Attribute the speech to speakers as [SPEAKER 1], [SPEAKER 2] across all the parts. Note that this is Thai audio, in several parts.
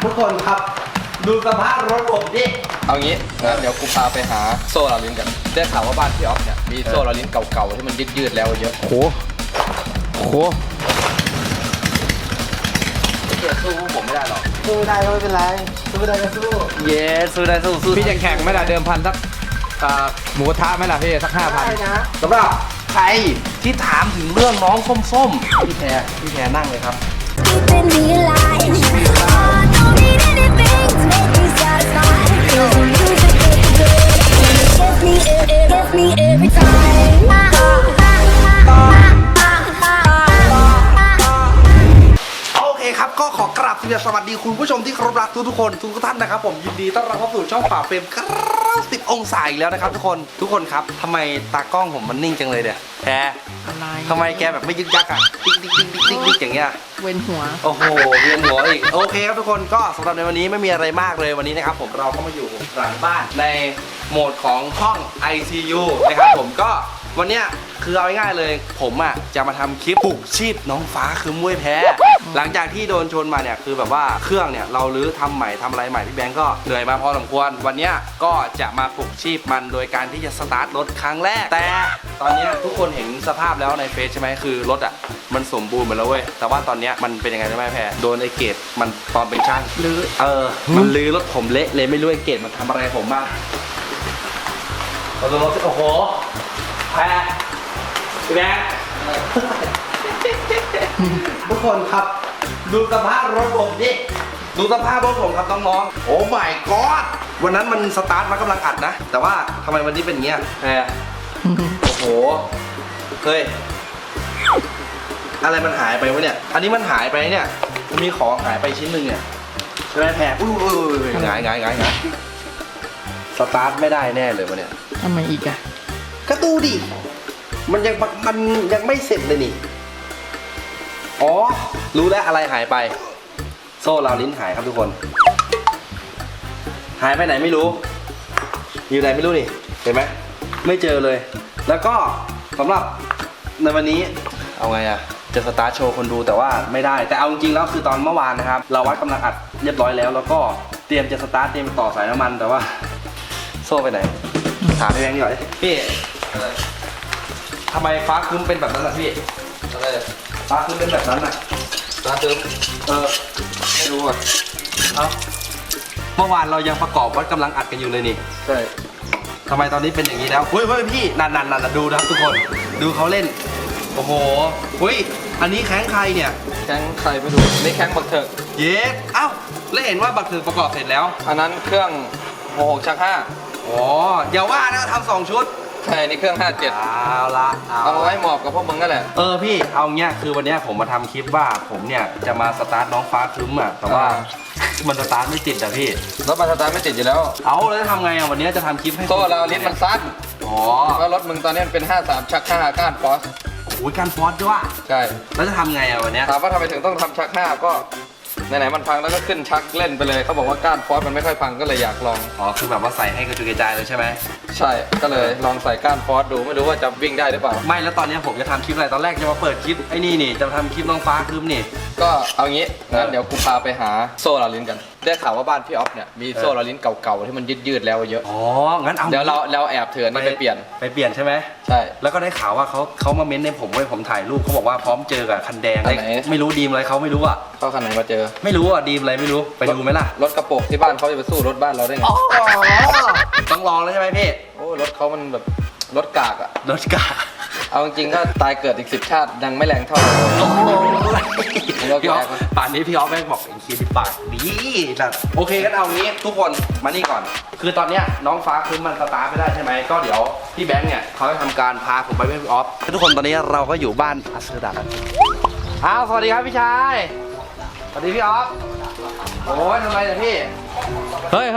[SPEAKER 1] ทุกคนครับดูสภาพรถผมดิ
[SPEAKER 2] เอางี้งั้นเดี๋ยวกูพาไปหาโซ่ลาลิ้นกันได้ข่าวว่าบ้านพี่ออฟเนี่ยมีโซ่ลาลิ้นเก่าๆที่มันยืดๆแล้วเยอะ
[SPEAKER 3] โห
[SPEAKER 2] เกียสู้ผมไม่ได้หรอก
[SPEAKER 1] สู้ได้ก็ไม่เป็นไรสู้ได้ก็สู้
[SPEAKER 2] เย้สู้ได้สู้
[SPEAKER 3] พี่ยังแข่งไหมล่ะเดิมพันสักหมูกระทะไหมล่ะพี่สัก 5,000
[SPEAKER 1] ได้นะสำหรับใครที่ถามถึงเรื่องน้องส้มๆพี่แพรนั่งเลยครับ
[SPEAKER 4] Keeping me alive. I don't need anything to make me satisfied. 'Cause the music is good and it gets me every time.
[SPEAKER 1] โอเคครับก็ขอกราบสวัสดีคุณผู้ชมที่เคารพรักทุกคนทุกท่านนะครับผมยินดีต้อนรับเข้าสู่ช่องป่าเฟรมครับ10 องศาอีกแล้วนะครับทุกคนครับทำไมตากล้องผมมันนิ่งจังเลยเนี่ยแพรอะไรทำไมแกแบบไม่ยึกยักอ่ะติ๊กอย่างเงี้ย
[SPEAKER 3] เวียนหัว
[SPEAKER 1] โอ้โหเวียนหัวอีกโอเคครับทุกคนก็สำหรับในวันนี้ไม่มีอะไรมากเลยวันนี้นะครับผมเราก็มาอยู่หลังบ้านในโหมดของห้อง ICU นะครับผมก็วันเนี้ยคือเอาง่ายๆเลยผมอ่ะจะมาทำคลิปปลุกชีพน้องฟ้าคือมวยแพ้หลังจากที่โดนชนมาเนี่ยคือแบบว่าเครื่องเนี่ยเราลื้อทำใหม่ทำอะไรใหม่พี่แบงก์ก็เหนื่อยมาพอสมควรวันเนี้ยก็จะมาปลุกชีพมันโดยการที่จะสตาร์ทรถครั้งแรกแต่ตอนเนี้ยทุกคนเห็นสภาพแล้วในเฟซใช่ไหมคือรถอ่ะมันสมบูรณ์หมดแล้วเว้ยแต่ว่าตอนเนี้ยมันเป็นยังไงรู้ไหมแพ้โดนไอ้เกตมันปลอมเป็นช่างลื้อมันลื้อรถผมเละเลยไม่รู้ไอ้เกตมันทำอะไรผมบ้างเราดูรถโอ้โหแพ้พี่แบงค์ทุกคนครับดูสภาพรถผมดิดูสภาพรถผมครับน้องๆโอ้ my god วันนั้นมันสตาร์ทมากำลังอัดนะแต่ว่าทำไมวันนี้เป็นเงี้ยแพรโอ้โหเฮ้ยอะไรมันหายไปวะเนี่ยอันนี้มันหายไปเนี่ยมันมีของหายไปชิ้นหนึ่งเนี่ยใช่ไหมแพรอุ้ยหงายสตาร์ทไม่ได้แน่เลยวะเนี่ย
[SPEAKER 3] ทำไมอีกอะ
[SPEAKER 1] ก็ดูดิมันยังไม่เสร็จเลยนี่อ๋อรู้แล้วอะไรหายไปโซ่ราวลิ้นหายครับทุกคนหายไปไหนไม่รู้อยู่ไหนไม่รู้นี่เห็นไหมไม่เจอเลยแล้วก็สำหรับในวันนี้เอาไงอะจะสตาร์ทโชว์คนดูแต่ว่าไม่ได้แต่เอาจริงๆแล้วคือตอนเมื่อวานนะครับเราวัดกำลังอัดเรียบร้อยแล้วก็เตรียมจะสตาร์ทเตรียมต่อสายน้ำมันแต่ว่าโซ่ไปไหนถามพี่แบงค์หน่อยพี่ทำไมฟ้าครึ้มเป็นแบบนั้นล่ะพี่อะไรฟ้าครึ้มเป็นแบบนั้นน่ะ
[SPEAKER 2] ฟ้าครึ้มไม่รู้อ่ะ
[SPEAKER 1] เมื่อวานเรายังประกอบวัดกำลังอัดกันอยู่เลยนี่
[SPEAKER 2] ใช่
[SPEAKER 1] ทำไมตอนนี้เป็นอย่างนี้แล้วเฮ้ยพี่นั่นดูนะครับทุกคนดูเขาเล่นโอ้โหเฮ้ยอันนี้แข้งใครเนี่ย
[SPEAKER 2] แข้งใครไม่รู้นี่แข้งบักเถิก
[SPEAKER 1] เย้เอ้าแล้วเห็นว่าบักเถิกประกอบเสร็จแล้ว
[SPEAKER 2] อันนั้นเครื่อง66ชัก5
[SPEAKER 1] อ๋ออย่าว่านะทำ2 ชุด
[SPEAKER 2] ใช่นี่เครื่อง57เอาไว้หมอบกับพวกมึงนั่นแหละ
[SPEAKER 1] พี่เอาเงี้ยคือวันนี้ผมมาทำคลิปว่าผมเนี่ยจะมาสตาร์ทน้องฟ้าครึ้มอ่ะแต่ว่ามันสตาร์ทไม่ติดอ่ะพี่
[SPEAKER 2] รถมันสตาร์ทไม่ติดอยู่แล้ว
[SPEAKER 1] เอาแล้วจะทำไงอ่ะวันนี้จะทำคลิปให้
[SPEAKER 2] โซ่เราลิ้นมันสั้น
[SPEAKER 1] อ๋อ
[SPEAKER 2] แล้วรถมึงตอนนี้เป็น53ชัก5ก้านฟอส
[SPEAKER 1] โอ้ยการฟอสด้วย
[SPEAKER 2] ใช่
[SPEAKER 1] แล้วจะทำไงอ่ะวันนี้
[SPEAKER 2] ถามว่าทำไมถึงต้องทำชัก5ก็ไหนๆมันพังแล้วก็ขึ้นชักเล่นไปเลยเขาบอกว่าก้านฟอสมันไม่ค่อยพังก็เลยอยากลอง
[SPEAKER 1] คือแบบว่าใส่ให้กระจุยกระจายเลยใช่ไหม
[SPEAKER 2] ใช่ก็เลยลองใส่ก้านฟอสดูไม่รู้ว่าจะวิ่งได้หรือเปล่า
[SPEAKER 1] ไม่แล้วตอนนี้ผมจะทำคลิปอะไรตอนแรกจะมาเปิดคลิปไอ้นี่จะทำคลิปน้องฟ้าครึ้มนี่
[SPEAKER 2] ก็เอางี้งั้นเดี๋ยวกูพาไปหาโซ่ลาลิ้นกันได้ข่าวว่าบ้านพี่ออฟเนี่ยมีโซ่ลาลิ้นเก่าๆที่มันยืดๆแล้วเยอะ
[SPEAKER 1] งั้นเอา
[SPEAKER 2] เดี๋ยวเราแอบเถื่อนนี่ไปเปลี่ยน
[SPEAKER 1] ใช่ไหม
[SPEAKER 2] ใช่
[SPEAKER 1] แล้วก็ได้ข่าวว่าเขามาเม้นในผมไว้ผมถ่ายรูปเขาบอกว่าพร้อมเจอกับคันแดงไม่รู้ดีมอะไรเขาไม่รู้อ่ะ
[SPEAKER 2] เขาคันไหนมาเจอ
[SPEAKER 1] ไม่รู้อ่ะดีมอะไรไม่รู้ไปดูไหมล่ะ
[SPEAKER 2] รถกระโปรงที่บ้านเขาจะไปสู้รถบ้านเราได้ไง
[SPEAKER 1] ต้องลองแล้วใช่ไหมพี่
[SPEAKER 2] โอ้รถเขามันแบบรถกากอะ
[SPEAKER 1] รถกาก
[SPEAKER 2] เอาจริงๆก็ตายเกิดอีก10 ชาติยังไม่แรงเท่า
[SPEAKER 1] พี่ออฟป่านนี้พี่ออฟแม่งบอกไอ้คีย์ปากดีแบบโอเคกันเอางี้ทุกคนมานี่ก่อนคือตอนเนี้ยน้องฟ้าคือมันสตาร์ทไม่ได้ใช่ไหมก็เดี๋ยวพี่แบงค์เนี่ยเขาจะทำการพาผมไปให้พี่ออฟทุกคนตอนนี้เราก็อยู่บ้านอัสดากันสวัสดีครับพี่ชายสวัสดีพี่ออฟโอ้ยทำไมเนี่ยพี่
[SPEAKER 3] เฮ้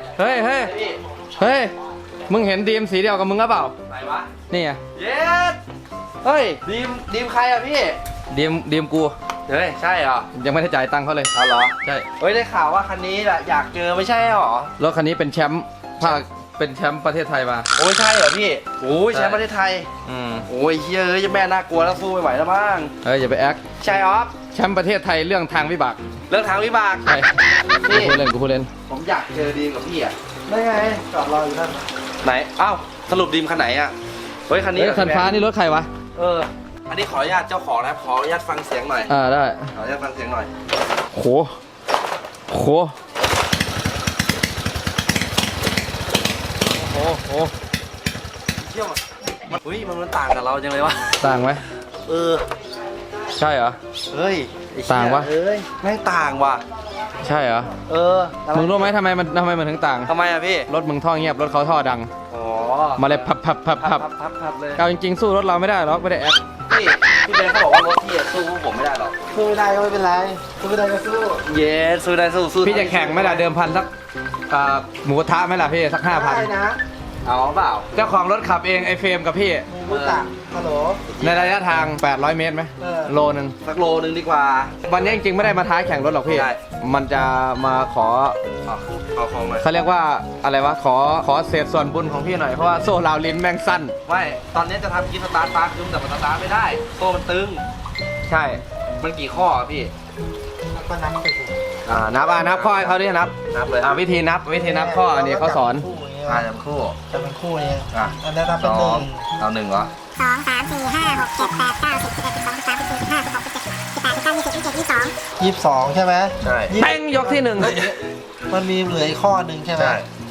[SPEAKER 3] ยมึงเห็นดีมสีเดียวกับมึงหรือเปล่า
[SPEAKER 1] ไหนวะ
[SPEAKER 3] นี่ไง
[SPEAKER 1] เย้เฮ้ยดีมใครอะพี่
[SPEAKER 3] ดีมกู
[SPEAKER 1] เฮ้ยใช่เหรอ
[SPEAKER 3] ยังไม่ได้จ่ายตังค์เขาเลย
[SPEAKER 1] เอาเหรอ
[SPEAKER 3] ใช่
[SPEAKER 1] เฮ้ยได้ข่าวว่าคันนี้แหละอยากเจอไม่ใช่หรอ
[SPEAKER 3] รถคันนี้เป็นแชมป์ภาคเป็นแชมป์ประเทศไทยมา
[SPEAKER 1] โอ้ยใช่เหรอพี่โอ้ยแชมป์ประเทศไทยโอ้ยเฮ้ยแม่น่ากลัวแล้วสู้ไม่ไหวแล้วมั้ง
[SPEAKER 3] อย่าไปแอค
[SPEAKER 1] ใช่ออฟ
[SPEAKER 3] แชมป์ประเทศไทยเรื่องทางวิบาก
[SPEAKER 1] เรื่องทางวิบาก
[SPEAKER 2] ใช่กูพูดเล่นกูพูดเล่น
[SPEAKER 1] ผมอยากเจอดีมกับพี่อ่ะ
[SPEAKER 3] ได้ไงจอดรออยู่นั่น
[SPEAKER 1] ไหนอ้าวสรุปดีมคันไหนอ่ะเฮ้ยคันนี้
[SPEAKER 2] เฮ้ยคันฟ้านี่รถใครวะ
[SPEAKER 1] อันนี้ขออนุญาตเจ้าของนะครับขออนุญาตฟังเสียงหน่อย
[SPEAKER 2] ได้
[SPEAKER 1] ขออนุญาตฟังเสียงหน่อย
[SPEAKER 2] โหโหโอ้โห
[SPEAKER 1] เที่ยวมันอุ้ยมันต่างกับเราจังเลยวะ
[SPEAKER 2] ต่างไหม
[SPEAKER 1] เออ
[SPEAKER 2] ใช่เหรอ
[SPEAKER 1] เฮ้ยไอ้เหี้ย
[SPEAKER 2] ต่างวะ
[SPEAKER 1] เอ้ยไม่ต่างว่ะ
[SPEAKER 2] ใช่เหรอ
[SPEAKER 1] เออ
[SPEAKER 2] มึงรู้ไหมทำไมมันถึงต่าง
[SPEAKER 1] ทำไมอะพี่
[SPEAKER 2] รถมึงท่อเงียบรถเขาท่อดัง
[SPEAKER 1] อ๋อ
[SPEAKER 2] มาเลยพับ
[SPEAKER 1] พับเลย
[SPEAKER 2] เอาจริงๆสู้รถเราไม่ได้หรอกไม่ได้แอค
[SPEAKER 1] พี่เบนเขาบอกว่ารถพี่อะสู้พวกผมไม่ได้หรอก
[SPEAKER 3] สู้ไม่ได้ก็ไม่เป็นไรสู้ไม่ได้ก็สู้
[SPEAKER 1] เย้สู้ได้สู้
[SPEAKER 2] พี่จะแข่งไหมล่ะเดิมพันสักหมูกระทะไหมล่ะพี่สัก
[SPEAKER 3] ได้
[SPEAKER 2] 5,000
[SPEAKER 3] นะ
[SPEAKER 1] เอาเปล่า
[SPEAKER 2] เจ้าของรถขับเองไอเฟรมกับพี่
[SPEAKER 3] มูมุตะฮัลโหล
[SPEAKER 2] ในระยะทาง 800 เมตรไหม
[SPEAKER 3] เออ
[SPEAKER 2] โลนึง
[SPEAKER 1] สักโลนึงดีกว่า
[SPEAKER 2] วันนี้จริงๆไม่ได้มาท้าแข่งรถหรอกพี่
[SPEAKER 1] ใช่
[SPEAKER 2] มันจะมาขอ
[SPEAKER 1] เอาของหน่อย
[SPEAKER 2] เขาเรียกว่าอะไรวะขอเศษส่วนบุญของพี่หน่อยเพราะว่าโซ่ราวลิ้นแม่งสั้น
[SPEAKER 1] ไม่ตอนนี้จะทำกิฟต์สตาร์ทปาร์คคือแต่มันสตาร์ทไม่ได้โซ่มันตึง
[SPEAKER 2] ใช่
[SPEAKER 1] มันกี่ข้ออะพี่
[SPEAKER 3] ก็นับไปสิ
[SPEAKER 2] นับข้อให้เขาดินับ
[SPEAKER 1] นับเลย
[SPEAKER 2] วิธีนับข้ออันนี้เขาสอน
[SPEAKER 3] คู่อย่างเงี้ย
[SPEAKER 1] จะคู่
[SPEAKER 3] จะเป็นคู่เอง
[SPEAKER 1] อ่ะ
[SPEAKER 3] อันนั้นนับเป็นหนึ่ง
[SPEAKER 1] เอาหนึ่งเหรอ
[SPEAKER 3] 22ใช่ไหม
[SPEAKER 1] ใช่
[SPEAKER 3] ยี่สิบ
[SPEAKER 2] เป้งยกที่หนึ่ง
[SPEAKER 3] มันมีเหลืออีกข้อหนึ่งใช่ไหม
[SPEAKER 1] ใช่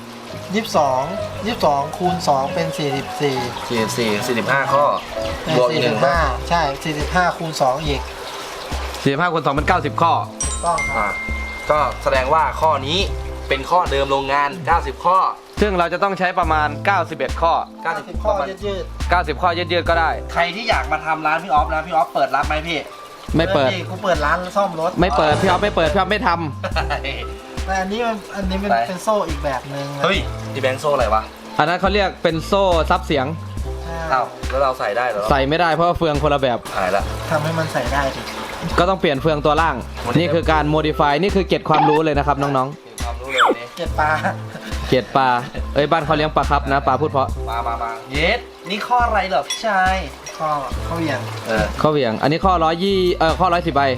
[SPEAKER 3] 22คูณ2เป็น44
[SPEAKER 1] 45ข้อ บวกอีกหนึ่งข้อ
[SPEAKER 3] 45ใช่45คูณ2อีก
[SPEAKER 2] 45คูณ2เป็น90 ข้อ
[SPEAKER 3] ต้องครับ
[SPEAKER 1] อ่ะก็แสดงว่าข้อนี้เป็นข้อเดิมโรงงาน 90 ข้อ
[SPEAKER 2] ซึ่งเราจะต้องใช้ประมาณ 91 ข้อ
[SPEAKER 3] 90ข้อยืด
[SPEAKER 2] 90 ข้อยืดๆก็ได้
[SPEAKER 1] ใครที่อยากมาทำร้านพี่ออฟนะพี่ออฟเปิดรับไหมพี่
[SPEAKER 3] ๆ
[SPEAKER 2] ไม่เปิด
[SPEAKER 3] นี่กูเปิดร้านซ่อมรถ
[SPEAKER 2] ไม่เปิดพี่อ๊อฟไม่เปิดพี่อ๊อฟไม่ท
[SPEAKER 3] แต่อันนี้มัน
[SPEAKER 1] ไป
[SPEAKER 3] เป็นโซ่อีกแบบหนึ่งนะ
[SPEAKER 1] เฮ้ยที่แบงค์โซ่อะไรวะ
[SPEAKER 2] ำอันนั้นเขาเรียกเป็นโซ่ซับเสียง
[SPEAKER 3] ใช่
[SPEAKER 1] เอ้าแล้วเราใส่ได้เหรอ
[SPEAKER 2] ใส่ไม่ได้เพราะว่าเฟืองคนละแบบ
[SPEAKER 1] หายละ
[SPEAKER 3] ทำให้มันใส่ได้ดิ
[SPEAKER 2] ก็ต้องเปลี่ยนเฟืองตัวล่าง นี่คือการ modify นี่คือเกร็ดความรู้เลยนะครับน้อง
[SPEAKER 1] มีความรู้เลยวันนี้
[SPEAKER 3] เก็บปลา
[SPEAKER 2] ๆ เกร็ดปลา บ้านเขาเลี้ยงปลาครับนะปลาพูดเพราะ
[SPEAKER 1] มาเยสนี่ข้ออะไรเหรอพี่ชาย
[SPEAKER 3] ข้อเหวี่ยง
[SPEAKER 2] ข้อเหวี่ยง อันนี้ข้อข้อ110ใบ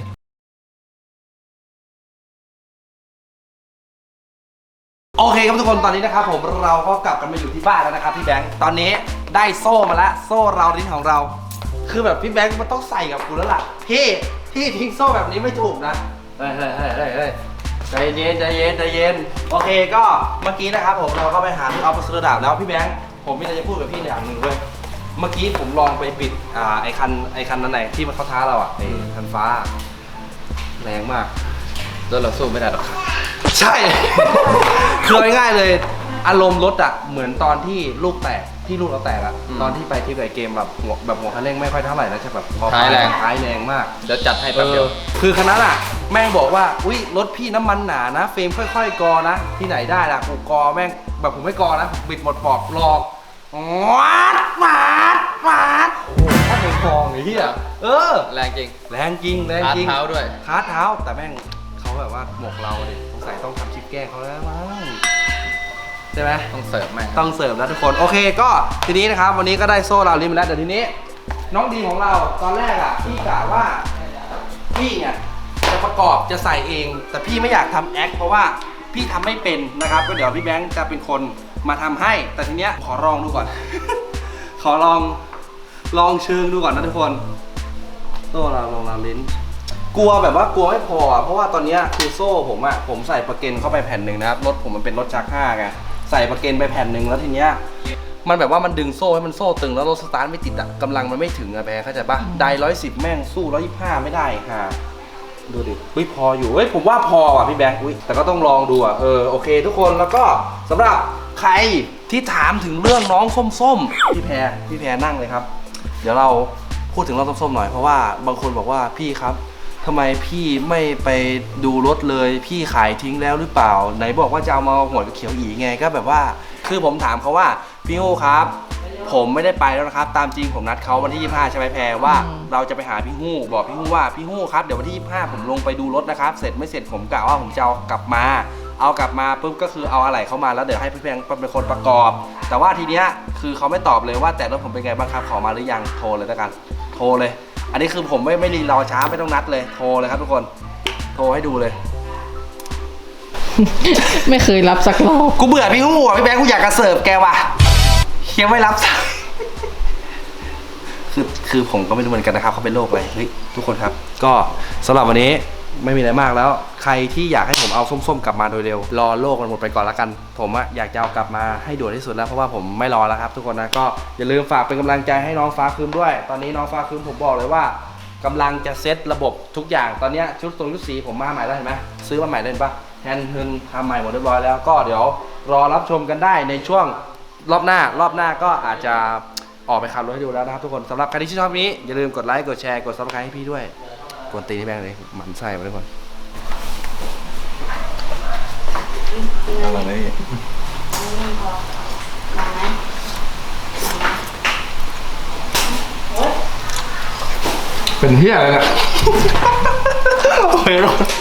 [SPEAKER 1] โอเคครับทุกคนตอนนี้นะครับผมเราก็กลับกันมาอยู่ที่บ้านแล้วนะครับพี่แบงค์ตอนนี้ได้โซ่มาแล้วโซ่เราลิ้นของเรา คือแบบพี่แบงค์มันต้องใส่กับกูแล้วล่ะพี่ทิ้งโซ่แบบนี้ไม่ถูกนะเฮ้ยใจเย็นโอเคก็เมื่อกี้นะครับผมเราก็ไปหาพี่ออฟมาซื้อดาบแล้วพี่แบงค์ผมมีอะไรจะพูดกับพี่อย่างหนึ่งเว้ยเมื่อกี้ผมลองไปปิดไอคันนั้นไหนที่มันเข้าท้าเราไอคันฟ้าแรงมาก
[SPEAKER 2] แล้วเราสู้ไม่ได้หรอกครับ
[SPEAKER 1] ใช่ คือง่ายๆเลย อารมณ์รถอะเหมือนตอนที่ลูกเราแตกอะตอนที่ไปที่ไอเกมแบบหัวคันเร่งไม่ค่อยเท่าไหร่แล้วใช่แบบพอ
[SPEAKER 2] ท้ายแรง
[SPEAKER 1] ท้ายแรงมาก
[SPEAKER 2] เดี๋ยวจัดให้แป๊บเดียว
[SPEAKER 1] คือคันนั้นอะแม่งบอกว่าอุ้ยรถพี่น้ำมันหนานะเฟรมค่อยๆกอนะที่ไหนได้ล่ะกูกอแม่งแบบผมไม่กอนะผมบิดหมดปอกหลอกวัดโอ้ถ้าเป็นฟองไอ้เหี้ย
[SPEAKER 2] แรงจริง
[SPEAKER 1] แรงจริง
[SPEAKER 2] คาร์ทเท้าด้วย
[SPEAKER 1] คาร์ทเท้าแต่แม่งเขาแบบว่าหมกเราดิสงสัยต้องทำคลิปแกล้งเขาแล้วมั้งใช่ไหม
[SPEAKER 2] ต้องเสิร์ฟแม่ง
[SPEAKER 1] ต้องเสิร์ฟแล้วทุกคนโอเคก็ทีนี้นะครับวันนี้ก็ได้โซ่เราลิ้นมาแล้วแต่ทีนี้น้องดีของเราตอนแรกอ่ะพี่กะว่าพี่เนี่ยจะประกอบจะใส่เอง แต่พี่ไม่อยากทำแอคเพราะว่าพี่ทำไม่เป็นนะครับก็เดี๋ยวพี่แบงค์จะเป็นคนมาทำให้ แต่ทีเนี้ยขอลองดูก่อน ขอลองเชิงดูก่อนนะทุกคนโซ่เราลองลิ้นกลัวแบบว่ากลัวไม่พอเพราะว่าตอนเนี้ยคือโซ่ผมใส่ประเก็นเข้าไปแผ่นหนึ่งนะครับรถผมมันเป็นรถชัก5ไงใส่ประเก็นไปแผ่นหนึ่งแล้วทีเนี้ยมันแบบว่ามันดึงโซ่ให้มันโซ่ตึงแล้วรถสตาร์ทไม่ติดอะกำลังมันไม่ถึงอะแบร์เข้าใจปะได110แม่งสู้125ไม่ได้ค่ะดูดิพออยู่ผมว่าพอว่ะพี่แบงค์แต่ก็ต้องลองดูอะโอเคทุกคนแล้วก็สำหรับใครที่ถามถึงเรื่องน้องส้มๆพี่แพรนั่งเลยครับเดี๋ยวเราพูดถึงน้องส้มๆหน่อยเพราะว่าบางคนบอกว่าพี่ครับทำไมพี่ไม่ไปดูรถเลยพี่ขายทิ้งแล้วหรือเปล่าไหนบอกว่าจะเอามาหัวเขียวอีไงก็แบบว่าคือผมถามเขาว่าพี่ฮู้ครับผมไม่ได้ไปแล้วนะครับตามจริงผมนัดเขาวันที่25ใช่ไหมแพรว่าเราจะไปหาพี่ฮู้บอกพี่ฮู้ว่าพี่ฮู้ครับเดี๋ยววันที่25ผมลงไปดูรถนะครับเสร็จไม่เสร็จผมกะว่าผมจะเอากลับมาปุ๊บก็คือเอาอะไรเข้ามาแล้วเดี๋ยวให้พี่แพงเป็นคนประกอบแต่ว่าทีเนี้ยคือเขาไม่ตอบเลยว่าแต่รถผมเป็นไงบ้างครับขอมาหรือยังโทรเลยแล้วกันโทรเลยอันนี้คือผมไม่รีรอช้าไม่ต้องนัดเลยโทรเลยครับทุกคนโทรให้ดูเลย
[SPEAKER 5] ไม่เคยรับสักรอบ
[SPEAKER 1] กูเบื่อพี่งูอ่ะพี่แบงค์กูอยากกระเสิร์ฟแกว่ะเคียไม่รับสายคือผมก็ไม่รู้เหมือนกันนะครับเขาเป็นโรคอะไรเฮ้ยทุกคนครับ ก็สำหรับวันนี้ไม่มีอะไรมากแล้ว ใครที่อยากให้ผมเอาส้มๆกลับมาโดยเร็วรอโลกมันหมดไปก่อนละกัน ผมอะอยากจะเอากลับมาให้ด่วนที่สุดแล้วเพราะว่าผมไม่รอแล้วครับ ทุกคนนะก็อย่าลืมฝากเป็นกำลังใจให้น้องฟ้าคืมด้วย ตอนนี้น้องฟ้าคืมผมบอกเลยว่ากำลังจะเซตระบบทุกอย่างตอนนี้ชุดสีผมมาใหม่แล้วเห็นไหมซื้อมาใหม่ได้เห็นปะแฮนด์ฮึนทำใหม่หมดเรียบร้อยแล้วก็เดี๋ยวรอรับชมกันได้ในช่วงรอบหน้าก็อาจจะออกไปขับรถให้ดูแล้วนะครับทุกคนสำหรับใครที่ชอบนี้อย่าลืมกดไลค์กดแชร์กดซับสไครต์ให้พี่ด้วยกวนตีนให้แบงค์เลยหมันไส้มาทุกคน
[SPEAKER 3] เป็นเฮียอะไรเนี่ย
[SPEAKER 1] โอ้ย